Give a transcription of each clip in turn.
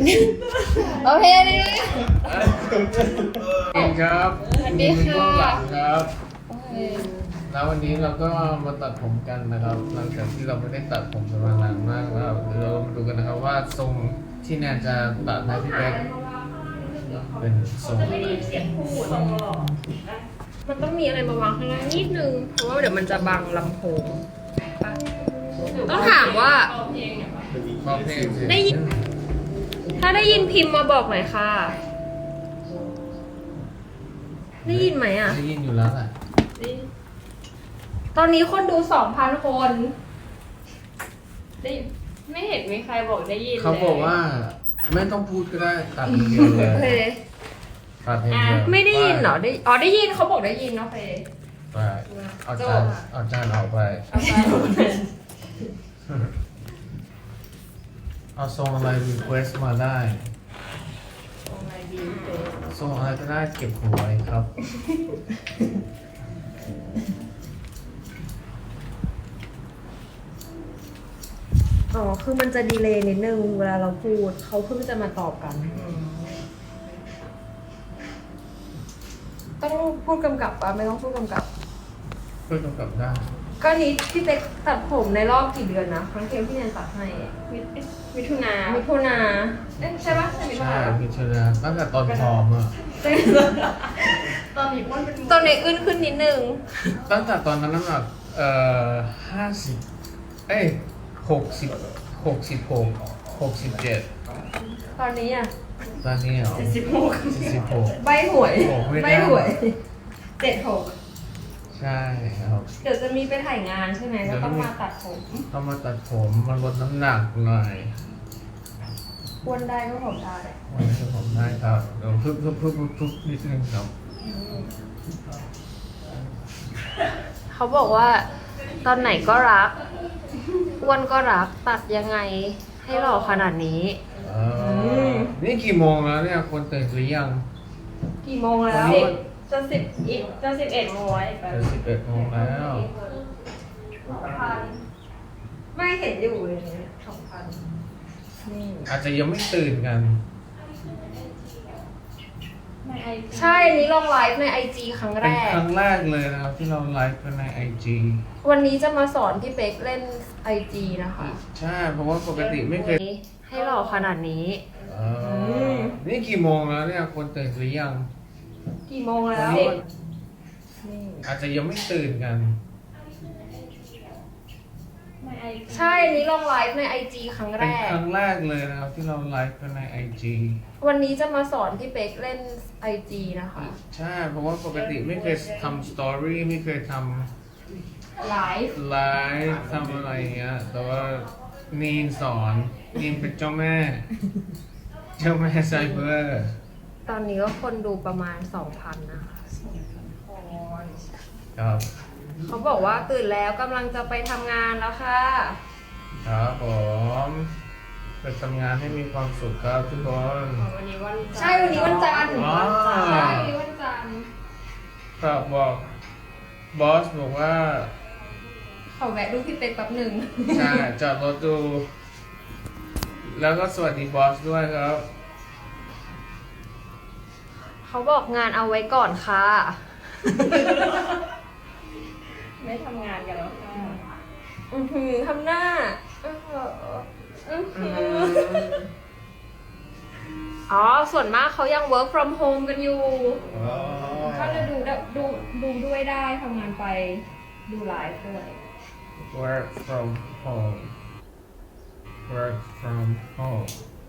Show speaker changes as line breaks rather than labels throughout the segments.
โอเคเลย
ครับ
สวัสดีค่ะ
เบื้องหลังครับ
โอเค
แล้ววันนี้เราก็มาตัดผมกันนะครับ หลังจากที่เราไม่ได้ตัดผมกันมานานมากแล้วเดี๋ยวเรามาดูกันนะครับว่าทรงที่แนนจะตัดให้พี่แบ๊กเป็นทรงอะไร
มันต้องมีอะไรมาวางข้างล่างนิดนึง เพราะว่าเดี๋ยวมันจะบังลำโพงปะต้องถามว่า
บอกเพลงสิ
ได้ยิน ถ้าได้ยินพิมพ์มาบอกหน่อยค่ะ ได้ยินไหมอ่ะ
ได้ยินอยู่แล้วแหละ
ตอนนี้คนดู 2,000 คน
ได้ไม่เห็นมีใครบอกได้ยิน
เขาบอกว่าไม่ต้องพูดก็ได้ตัดอย่างเดียวเล
โอเค
ยตัดอย่างเดียว
ไม่ได้ยินเหรอ ได้ยินเขาบอกได้ยินโอเค
ไปเอาจานออกไป
เอาไป
เอาทรงอะไรรีเควสมาได้
ตรงไหนดีเ
ทรงอะไรก็ได้เก็บหัวไว้ครับ
อ๋อ คือมันจะดีเลย์นิดนึงเวลาเราพูด เขาเพิ่งจะมาตอบกัน ต้องพูดกำกับปะไม่ต้องพูดกำกับ
เพื่อกำกับได้
ก็นี้พี่เป๊กตัดผมในรอบกี่เดือนนะครั้งเทมที่แนนตัดให้
มิถุนา
มิถุนาเอ๊ะใช่ปะใช่มิถุ
ใช่
นา
พิจารณาตั้งแต่ตอนพร้อมอะ
ตอนนี้อ้วนเป็น
ตอนนี้ขึ้นนิดนึง
ตั้งแต่ตอนนั้นน้ำหนัก5067
ตอนนี้อ่ะ
ตอนนี้เหรอ
16
ใบหวย
โอ้ไม่ได้
ใบหวย76
ใช่ครับ
เดี๋ยวจะมีไปถ่ายงานใช่ไหมก็ต้องมาตัดผม
ต้องมาตัดผมมาลดน้ำหนักหน่อย
อ้วนได้ก็ผมได้
วันนี้ผมได้ครับเดี๋ยวพึบนิดนึงครับ
เขาบอกว่า ตอนไหนก็รัก อ้วนก็รัก ตัดยังไงให้หล่อขนาดนี้
นี่กี่โมงแล้วเนี่ยคนตื่นหรือยัง
กี่โมงแล้ว
จะ11โมงไว้แป๊บ
จะ11 โมงแล้ว
ไม่เห็นอยู่เลยเนี่ย2,000นี่
อาจจะยังไม่ตื่นกัน
ในไอจี
ใช่ อันนี้ลองไลฟ์ใน IG ครั้งแร
เป็น
ก
ครั้งแรกเลยนะครับที่เราไลฟ์กันใน IG
วันนี้จะมาสอนพี่เป๊กเล่น IG นะคะ
ใช่ เพราะว่าปกติไม่เคย
ให้หล่อขนาดนี้
นี่กี่โมงแล้วเนี่ยคนตื่นหรือยัง
กี่โมงแล้ว นี่
อาจจะยังไม่ตื่นกัน
ในไอจี
ใช่ อันนี้ลองไลฟ์ใน IG ครั้งแร
เป็น
ก
ครั้งแรกเลยนะครับที่เราไลฟ์กันใน IG
วันนี้จะมาสอนพี่เป๊กเล่น IG นะคะ
ใช่ เพราะว่าปกติไม่เคยทำสตอรี่ไม่เคยท
ไลฟ์
ำไลฟ์ทำอะไรอย่างเงี้ย แต่ว่านีนสอนนีนเป็นเจ้าแม่ เจ้าแม่ไซเบอร์
ตอนนี้ก็คนดูประมาณ 2,000 นะคะ
ครับ
เขาบอกว่าตื่นแล้วกำลังจะไปทำงานแล้วค่ะ
ครับผมไปทำงานให้มีความสุขครับทุกคน
วันนี้วัน
ใช่ วันนี้วันจันทร์
อ๋อ
ใช่วันนี้วันจันทร์
ครับบอกบอสบอกว่า
ขอแวะดูพี่เป๊กแป๊บหนึ่ง
ใช่จอดรถดู แล้วก็สวัสดีบอสด้วยครับ
เขาบอกงานเอาไว้ก่อนค่ะ
ไม่ทำงานกันแล้วค่ะ
ทำหน้าอื้อหืออื้อหืออ๋อ ส่วนมากเขายัง work from home กันอยู่ ก็เลยดูด้วยได้ทำงานไปดูไลฟ์ด้วย
work from home work from home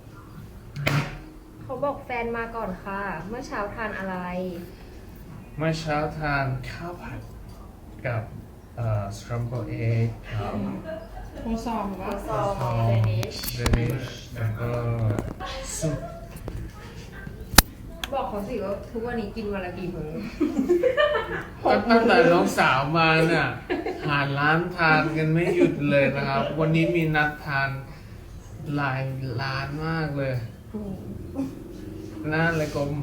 เขาบอกแฟนมาก่อนค่ะ เมื่อเช้าทานอะไร
เมื่อเช้าทานข้าวผัดกับscrambled egg ครับ
โคซองว่า
ซอง
เดนิช
Danish แล้วก็ซุป
บอกเขาสิว่าทุกวันนี้กินวันละกี่มื้อ
ตั้งแต่น้องสาวมาเนี่ยหาร้านทานกันไม่หยุดเลยนะครับ วันนี้มีนัดทานหลายร้านมากเลยหน้าเลยกลม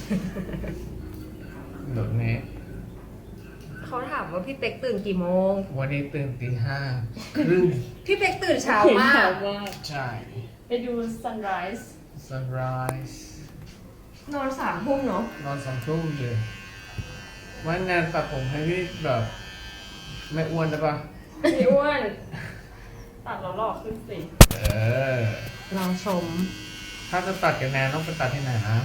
เดี๋ยวนี้
เขาถามว่าพี่เป็กตื่นกี่โมง
วันนี้ตื่นตี 5 ครึ่ง
พี่เป็กตื่นเช้า
เห็น
มา
ข่าก วว่า
ใช่
ไปดู sunrise
sunrise
นอน3 ทุ่มเนาะ
นอน2 ทุ่มเลยวันแนนตัดผมให้พี่แบบไม่อ้วนได้ปะ
พี่อ้วนตัดแล้วหลอกขึ้นสิ
เออ
ลองชม
ถ้าจะตัดกับแนนต้องไปตัดที่ไหนนะ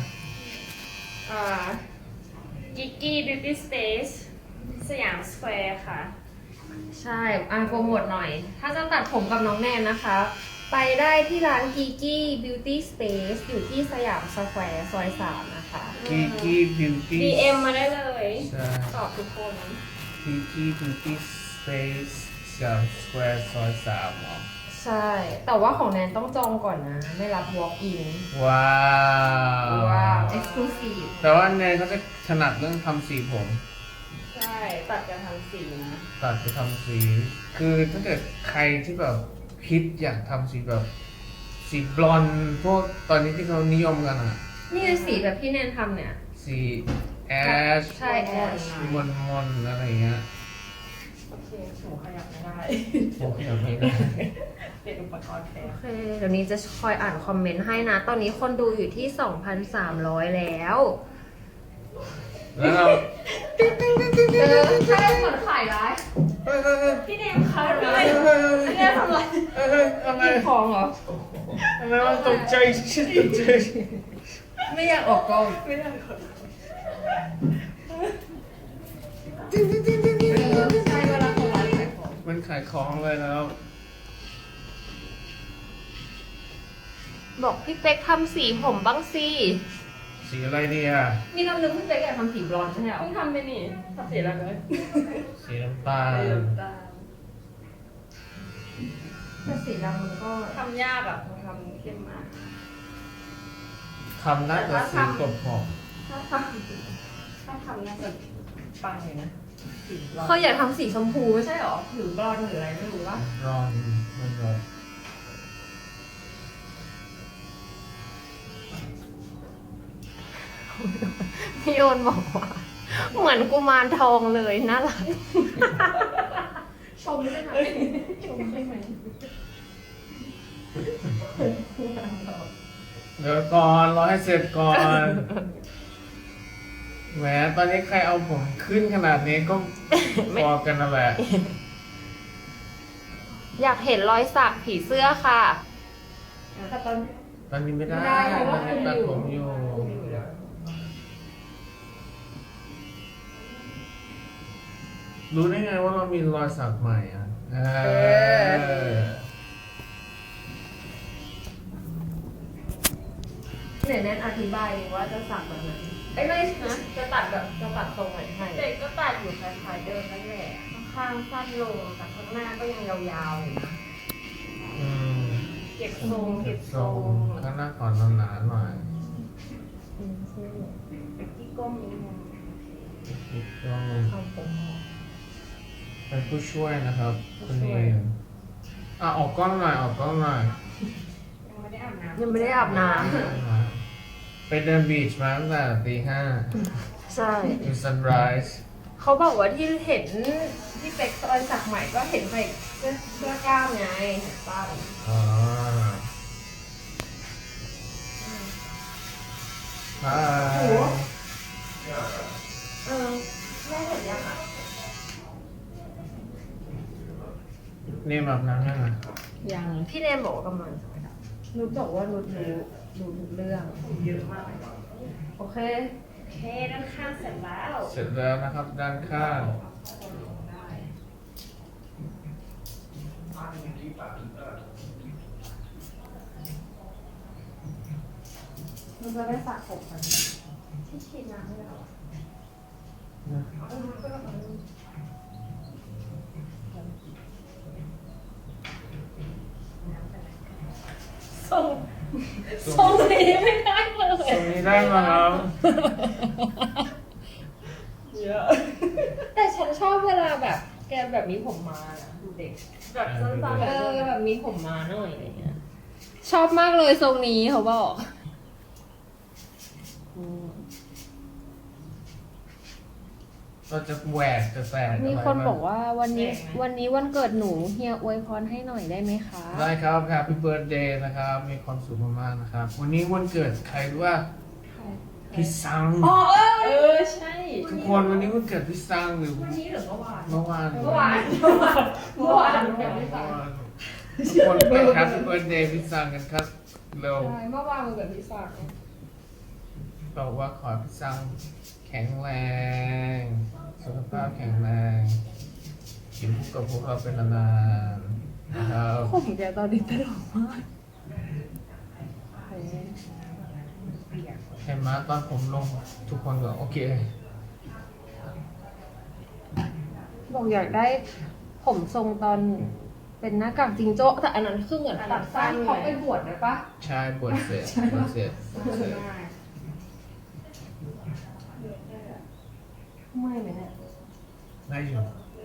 กิกกี้บิวตี้สเปซสยามสแควร์ค่ะ
ใช่โปรโมทหน่อย ถ้าจะตัดผมกับน้องแนนนะคะ ไปได้ที่ร้าน Gigi Beauty Space อยู่ที่สยามสแควร์ซอย 3 นะคะ
กีกี้บิวตี้
DM มาได้เลย
ใช่
ตอบทุกคน
กีกี้บิวตี้สเปซสยามสแควร์ซอย3อ๋อ
ใช่ แต่ว่าของแนนต้องจองก่อนนะ ไม่รับ walk in
ว้าว
ว้าว exclusive
แต่ว่าแนนเขาจะถนัดเรื่องทำสีผม
ใช่ตัดกันทำสีนะ
ตัดไปทำสี คือถ้าเกิดใครที่แบบคิดอยากทำสีแบบสีบลอนด์พวกตอนนี้ที่เขานิยมกันอะ
นี่เป็นสีแบบที่แนนทำเนี่ย
สีแอช
ใช่ ash
มนมนๆอะไรเงี้ย
โอเคหนูขยับไม่ได้
โอเคโอเคได้
เป็นอุปกรณ์แทน
โอเค เดี๋ยวนี้จะคอยอ่านคอมเมนต์ให้นะ ตอนนี้คนดูอยู่ที่ 2,300 แล้ว
แล้วเรา
ใช่เหมือนขายร้าย
เฮ้ยเฮ้ยเฮ้ย
พี่เนมค่ะ
เฮ้ยเฮ้ย
พี่เนมทำไร
เฮ้ยเฮ้ยอะไร
กินของเหรอ
อะไรวะตกใจชิดตกใจ
ไม่อยากออกกล้อง
ไม่ได้ขอ
ใช่เวลาเขาไลฟ์ขายของ
มันขายของเลยแล้ว
บอกพี่เป๊กทำสีผมบ้างสิ
สีอะไรดีอ่ะ
มีคำนึงพี่เป๊กอยากทำสีบลอนด์ใช่ไหม
เพิ่งทำไปนี่ทำสีอะไรเลย
สีน้ำตาล
แต่สีดำมันก็
ทำยากอ่ะมันทำเข้มมาก
ทำน่าจะสีกบหอม
ถ้าทำน่าจะปังเลยนะสีร้อน
เขาอยากทำสีชมพูไม่ใช่หรอหรือบลอนด์หรืออะไรไม่รู้ว่า
ร้อนมันร้อน
พี่โอนบอกว่า เหมือนกุมารทองเลยน่ารักชมใช่ไหมชมใช่ไหม
เดี๋ยวก่อนรอให้เสร็จก่อนแหมตอนนี้ใครเอาผมขึ้นขนาดนี้ก็พอกันนั่นแหละ
อยากเห็นรอยสักผีเสื้อค่ะแต่ตอน
ตอนนี้ไม่ได้
ไม่ได้เพราะว่า
ตัดผมอยู่ รู้ได้ไงว่าเรามีรอยสักใหม่อ่ะ
เนี่ยแนนอธิบายว่าจะสักแบบไหนไอ้ยไม่นะจะตัดแบบจะตัดตรงไหนให้
เด็กก็ตัดอยู่คล้ายๆเดิมนั่นแหละ
ข้างสั้นลงแต่ข้างหน้าก็ยังยาวๆอยู่นะ
อืม
เก็บทรง
เก็
เก็
บบ ท
ท
ร
รง ง
ข้างหน้าก่อนหนาๆหน่อย
ที่ก้มนิดนึง
อีกต้อง
ทำผมออก
เป็นผู้ช่วยนะครับคุณเองออกกล้องหน่อยออกกล้องหน่อย
ยังไม่ได้อาบน้ำ
ยังไม่ได้อาบน้
ไปเดินบีชมาตั้งแต่ตี 5
ำใช่
ดูซันไรส์
เขาบอกว่าที่เห็นที่เป็กรอยสักใหม่ก็เห็นใส่เสื้อกล้ามไงเห็นป้า
อ๋อฮาย
แม่เห็นยังอ่ะ
นี่แบบนั้นยังไง
ยัง
พี่เนมบอกว่ากำลังจะไปดับนุชบอกว่านุชรู้ทุกเรื่อง
เยอะมาก
โอเค
โอเคด้านข้างเสร็จแล้ว
เสร็จแล้วนะครับด้านข้าง
มันจะได้สระผมกันที่ฉีดน้ำให้เรา
ทรงนี้ไม่ได้เลย
ตรงนี้ได้มาครับ
เยอะ
แต่ฉันชอบเวลาแบบแกแบบมีผมมานะดูเด็ก
แบบสั้นๆ
แบบมีผมมาหน่อยอะไรเงี้ยชอบมากเลยทรงนี้เขาบอก
เราจะแหวกจะแฝด
มีคนบอกว่าวันนี้วันเกิดหนูเฮียอวยพรให้หน่อยได้ไหมคะ
ได้ครับ Happy Birthday นะครับ มีความสุขมากๆนะครับ วันนี้วันเกิดใครรู้ว่าพี่ซัง
อ๋อใช่
ทุกคนวันนี้วันเกิดพี่ซังหรือ
วันนี้หรือเมื่อวาน
เมื่อวาน
เมื่อวานเมื่อวานเดี๋ยวไม่ฟัง
ทุกคนไป Happy Birthday พี่ซังกันครับเร็ว
ใช่เมื่อวานมันเกิดพี่สัก
บอกว่าขอให้พี่ซังแข็งแรงสุขภาพแข็งแรงอยู่คู่กับพวกเราเป็นนานๆนะครับ
ผมแกตอนนี้ตลกมาก
เห็นไหมตอนผมลงทุกคนก็โอเค
บอกอยากได้ผมทรงตอนเป็นหน้ากากจิงโจ้แต่อันนั้นคือเหมือนตัดสั้นเขาไปบวชเลยปะ
ใช่บวชเสร็จบวชเสร็จ
ไม่เลยเนี่ย
ได้อยู่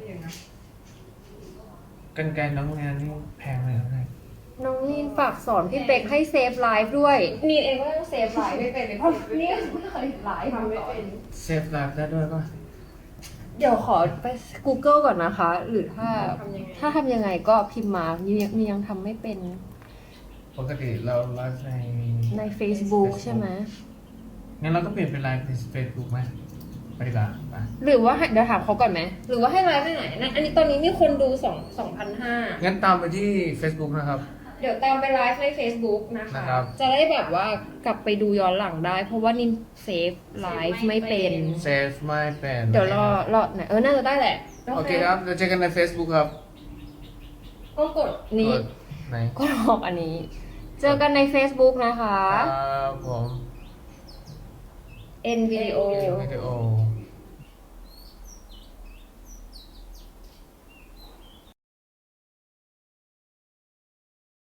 กันไกรน้องงานนี่แพงเลยนะ
น้องนีนฝากสอนพี่เป็กให้เซฟไลฟ์ด้วยนีนเองก็ต้องเซฟไลฟ์ไม่เป็นเลยเพราะนี่ไม่เคยไลฟ์ทำไม่เป็น
เซฟไลฟ์ได้ด้วยป่ะ
เดี๋ยวขอไป Google ก่อนนะคะ หรือถ้า
ทำยังไง
ถ้าทำยังไงก็พิมพ์มามียังทำไม่เป็น
ปกติเราไลฟ์ใน
Facebook ใช่ไหม
งั้นเราก็เปลี่ยนเป็นไลฟ์ในเฟซบุ๊กไหมไปดีกว่าไป
หรือว่าให้เดี๋ยวถามเขาก่อนไหมหรือว่าให้ไลฟ์ไปไหนนั่นอันนี้ตอนนี้มีคนดู2,500
งั้นตามไปที่ Facebook นะครับ
เดี๋ยวตามไปไลฟ์ใน Facebook นะคะ
นะครับ
จะได้แบบว่ากลับไปดูย้อนหลังได้ เพราะว่านินเซฟไลฟ์ไม่เป็น
เซฟไม่เป็น
เดี๋ยวรอไหนน่าจะได้แหละ
โอเคครับเดี๋ยวเจอกันใน Facebook ครับ
ก็กดนี้
กดไหน
ก็ออกอันนี้ เจอกันใน Facebook นะคะ
ครับผม
N video
วิดีโอ